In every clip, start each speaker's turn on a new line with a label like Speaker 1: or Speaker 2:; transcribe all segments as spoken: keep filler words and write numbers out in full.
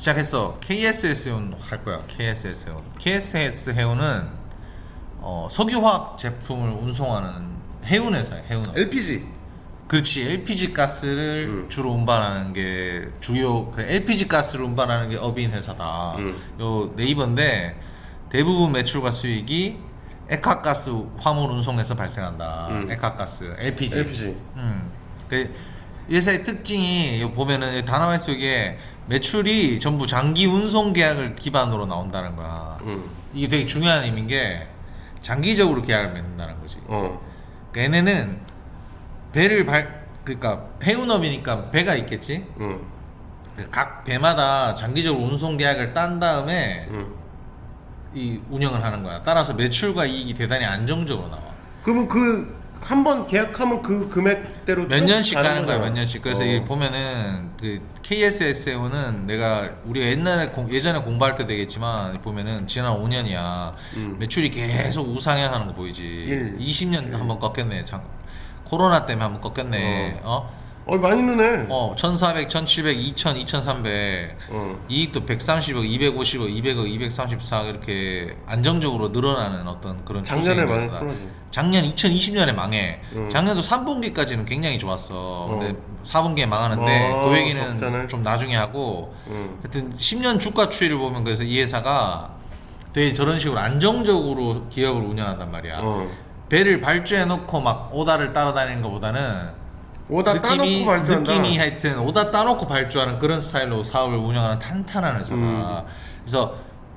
Speaker 1: 시작했어. 케이에스에스 해운 할 거야. 케이에스에스 해운. 케이에스에스 해운은 어, 석유화학 제품을 운송하는 해운 회사야. 해운업.
Speaker 2: 엘피지.
Speaker 1: 그렇지. 엘피지 가스를
Speaker 2: 음.
Speaker 1: 주로 운반하는 게 주요 그 엘피지 가스를 운반하는 게 업인 회사다.
Speaker 2: 음.
Speaker 1: 요 네이버인데 대부분 매출과 수익이 액화가스 화물 운송에서 발생한다.
Speaker 2: 음.
Speaker 1: 액화가스 엘피지.
Speaker 2: 엘피지.
Speaker 1: 음. 그 회사의 특징이 여기 보면은 다나와의 속에 매출이 전부 장기 운송 계약을 기반으로 나온다는 거야.
Speaker 2: 음.
Speaker 1: 이게 되게 중요한 의미인 게 장기적으로 계약을 맺는다는 거지.
Speaker 2: 어.
Speaker 1: 그러니까 얘네는 배를 발 그러니까 해운업이니까 배가 있겠지.
Speaker 2: 응.
Speaker 1: 각 배마다 장기적으로 운송 계약을 딴 다음에
Speaker 2: 응.
Speaker 1: 이 운영을 하는 거야. 따라서 매출과 이익이 대단히 안정적으로 나와.
Speaker 2: 그러면 그 한 번 계약하면 그 금액대로
Speaker 1: 몇
Speaker 2: 쭉
Speaker 1: 년씩
Speaker 2: 가는
Speaker 1: 가는 거야,
Speaker 2: 거잖아.
Speaker 1: 몇 년씩. 그래서
Speaker 2: 어.
Speaker 1: 이 보면은 그 케이에스에스는 내가 우리가 옛날에 공, 예전에 공부할 때 되겠지만 보면은 지난 오 년이야.
Speaker 2: 음.
Speaker 1: 매출이 계속 우상향하는 거 보이지.
Speaker 2: 일,
Speaker 1: 이십 년
Speaker 2: 칠.
Speaker 1: 한번 꺾였네. 장, 코로나 때문에 한번 꺾였네. 어?
Speaker 2: 어 많이 느네.
Speaker 1: 어, 천사백, 천칠백, 이천, 이천삼백.
Speaker 2: 어.
Speaker 1: 이익도 백삼십억, 이백오십억, 이백억, 이백삼십사억 이렇게 안정적으로 늘어나는 어떤 그런
Speaker 2: 작년에
Speaker 1: 추세인
Speaker 2: 많이
Speaker 1: 거였어.
Speaker 2: 풀어줘.
Speaker 1: 작년 이천이십 년에 망해.
Speaker 2: 음.
Speaker 1: 작년도 삼 분기까지는 굉장히 좋았어. 근데
Speaker 2: 어.
Speaker 1: 사 분기에 망하는데
Speaker 2: 어,
Speaker 1: 그 얘기는
Speaker 2: 적잖아요.
Speaker 1: 좀 나중에 하고
Speaker 2: 응.
Speaker 1: 하여튼 십 년 주가 추이를 보면 그래서 이 회사가 되게 저런 식으로 안정적으로 기업을 운영한단 말이야.
Speaker 2: 어.
Speaker 1: 배를 발주해 놓고 막 오다를 따라다니는 것보다는
Speaker 2: 오다
Speaker 1: 느낌이,
Speaker 2: 따놓고 발주한다.
Speaker 1: 느낌이 하여튼 오다 따놓고 발주하는 그런 스타일로 사업을 운영하는 탄탄한 회사다.
Speaker 2: 음.
Speaker 1: 그래서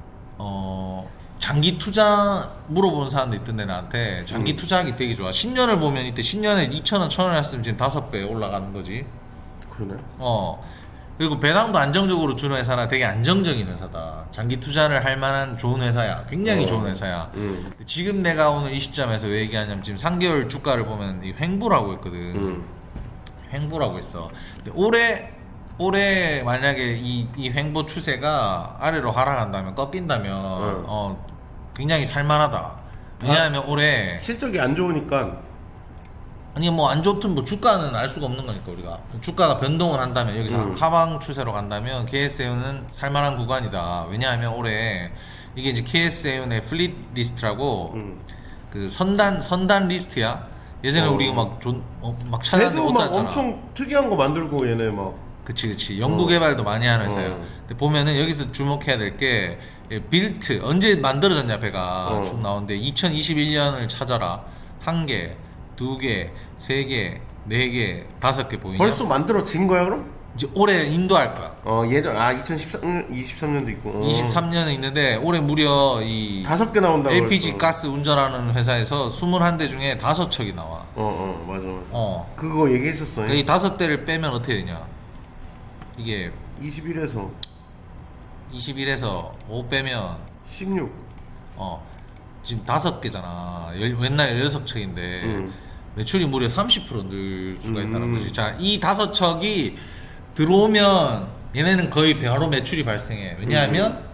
Speaker 1: 어 장기 투자 물어보는 사람도 있던데 나한테 장기
Speaker 2: 음.
Speaker 1: 투자하기 되게 좋아. 십 년을 보면 이때 십 년에 이천 원, 천 원 했으면 지금 다섯 배 올라가는 거지.
Speaker 2: 그러네.
Speaker 1: 어 그리고 배당도 안정적으로 주는 회사라 되게 안정적인 회사다. 장기 투자를 할 만한 좋은 회사야. 굉장히
Speaker 2: 어.
Speaker 1: 좋은 회사야.
Speaker 2: 응.
Speaker 1: 지금 내가 오늘 이 시점에서 왜 얘기하냐면 지금 삼 개월 주가를 보면 이 횡보라고 했거든.
Speaker 2: 응.
Speaker 1: 횡보라고 했어. 근데 올해 올해 만약에 이, 이 횡보 추세가 아래로 하락한다면 꺾인다면
Speaker 2: 응.
Speaker 1: 어 굉장히 살만하다. 왜냐하면 올해
Speaker 2: 실적이 안 좋으니까.
Speaker 1: 아니 뭐 안 좋든 뭐 주가는 알 수가 없는 거니까 우리가 주가가 변동을 한다면 여기서
Speaker 2: 음.
Speaker 1: 하방 추세로 간다면 케이에스에이는 살만한 구간이다. 왜냐하면 올해 이게 이제 케이에스에이의 플릿 리스트라고
Speaker 2: 응.
Speaker 1: 그 선단 선단 리스트야. 예전에
Speaker 2: 어.
Speaker 1: 우리가 막, 좀, 어, 막 찾았는데
Speaker 2: 배도
Speaker 1: 못
Speaker 2: 막
Speaker 1: 찾았잖아.
Speaker 2: 엄청 특이한 거 만들고 얘네 막.
Speaker 1: 그치 그치 연구개발도 많이 하는 회사야.
Speaker 2: 어.
Speaker 1: 근데 보면은 여기서 주목해야 될 게 빌트 언제 만들어졌냐 배가
Speaker 2: 어.
Speaker 1: 쭉 나오는데 이천이십일 년을 찾아라. 한 개, 두 개, 세 개, 네 개, 다섯 개 보이냐?
Speaker 2: 벌써 만들어진 거야 그럼?
Speaker 1: 이제 올해 인도할 거야.
Speaker 2: 어 예전 아 이천십삼 년 이십삼 년도 있고. 어.
Speaker 1: 이십삼 년에 있는데 올해 무려 이
Speaker 2: 다섯 개 나온다고.
Speaker 1: 엘피지
Speaker 2: 그랬어.
Speaker 1: 가스 운전하는 회사에서 이십일 대 중에 다섯 척이 나와.
Speaker 2: 어어 맞아 맞아.
Speaker 1: 어.
Speaker 2: 그거 얘기했었어.
Speaker 1: 그러니까 이 다섯 대를 빼면 어떻게 되냐? 이게
Speaker 2: 이십일에서
Speaker 1: 이십일에서 오 빼면
Speaker 2: 십육.
Speaker 1: 어 지금 다섯 개잖아. 열, 맨날 열여섯 척인데
Speaker 2: 음.
Speaker 1: 매출이 무려 삼십 퍼센트 늘 수가 있다는
Speaker 2: 음.
Speaker 1: 거지. 자, 이 다섯 척이 들어오면 얘네는 거의 바로 매출이 발생해. 왜냐하면
Speaker 2: 음.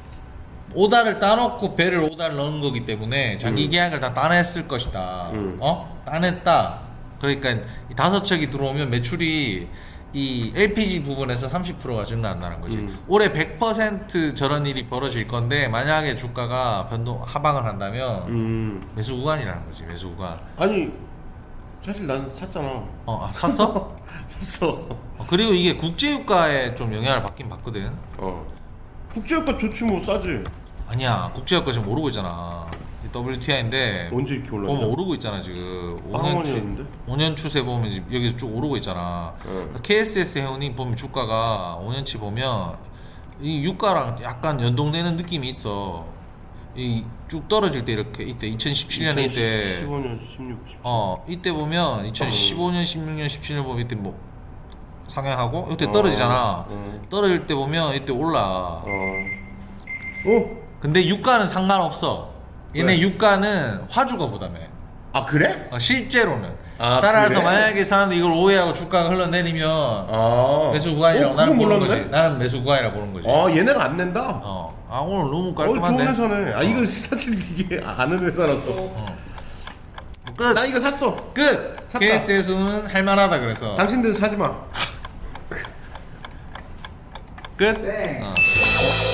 Speaker 1: 오다를 따놓고 배를 오다를 넣은 거기 때문에 장기
Speaker 2: 음.
Speaker 1: 계약을 다 따냈을 것이다.
Speaker 2: 음.
Speaker 1: 어? 따냈다. 그러니까 이 다섯 척이 들어오면 매출이 이 엘피지 부분에서 삼십 퍼센트가 증가한다는 거지.
Speaker 2: 음.
Speaker 1: 올해 백 퍼센트 저런 일이 벌어질 건데 만약에 주가가 변동 하방을 한다면
Speaker 2: 음.
Speaker 1: 매수 구간이라는 거지. 매수 구간.
Speaker 2: 아니 사실 난 샀잖아.
Speaker 1: 어, 아, 샀어?
Speaker 2: 샀어.
Speaker 1: 어, 그리고 이게 국제유가에 좀 영향을 받긴 받거든.
Speaker 2: 어. 국제유가 좋지 뭐 싸지.
Speaker 1: 아니야, 국제유가 지금 오르고 있잖아. 더블유티아이인데
Speaker 2: 언제 이렇게 올랐냐?
Speaker 1: 보면 오르고 있잖아 지금. 오 년 추,
Speaker 2: 빵원이었는데?
Speaker 1: 오 년 추세 보면 지금 여기서 쭉 오르고 있잖아.
Speaker 2: 응.
Speaker 1: 케이에스에스 해운이 보면 주가가 오 년치 보면 이 유가랑 약간 연동되는 느낌이 있어. 이 쭉 떨어질 때 이렇게 이때 이천십칠 년에 이때
Speaker 2: 십오 년, 십육, 십칠.
Speaker 1: 어 이때 보면 이천십오 년, 십육 년, 십칠 년 보면 이때 뭐 상향하고 이때
Speaker 2: 어,
Speaker 1: 떨어지잖아.
Speaker 2: 어.
Speaker 1: 떨어질 때 보면 이때 올라.
Speaker 2: 어. 어?
Speaker 1: 근데 유가는 상관없어. 얘네
Speaker 2: 왜?
Speaker 1: 유가는 화주가 부담해.
Speaker 2: 아 그래?
Speaker 1: 어, 실제로는.
Speaker 2: 아,
Speaker 1: 따라서
Speaker 2: 그래?
Speaker 1: 만약에 사람들이 이걸 오해하고 주가가 흘러내리면
Speaker 2: 아.
Speaker 1: 매수 구간이라고
Speaker 2: 어,
Speaker 1: 나는
Speaker 2: 그건
Speaker 1: 보는
Speaker 2: 몰랐네?
Speaker 1: 거지. 나는 매수 구간이라고 보는 거지.
Speaker 2: 아 얘네가 안 낸다.
Speaker 1: 어. 아 오늘 너무
Speaker 2: 어,
Speaker 1: 깔끔한데.
Speaker 2: 좋은 회사네. 아
Speaker 1: 어.
Speaker 2: 이거 사실 이게 아는 회사라서.
Speaker 1: 어. 끝.
Speaker 2: 나 이거 샀어.
Speaker 1: 끝.
Speaker 2: 샀다.
Speaker 1: 케이에스에서는 할만하다 그래서.
Speaker 2: 당신들 사지 마.
Speaker 1: 끝.
Speaker 3: 땡.
Speaker 1: 어.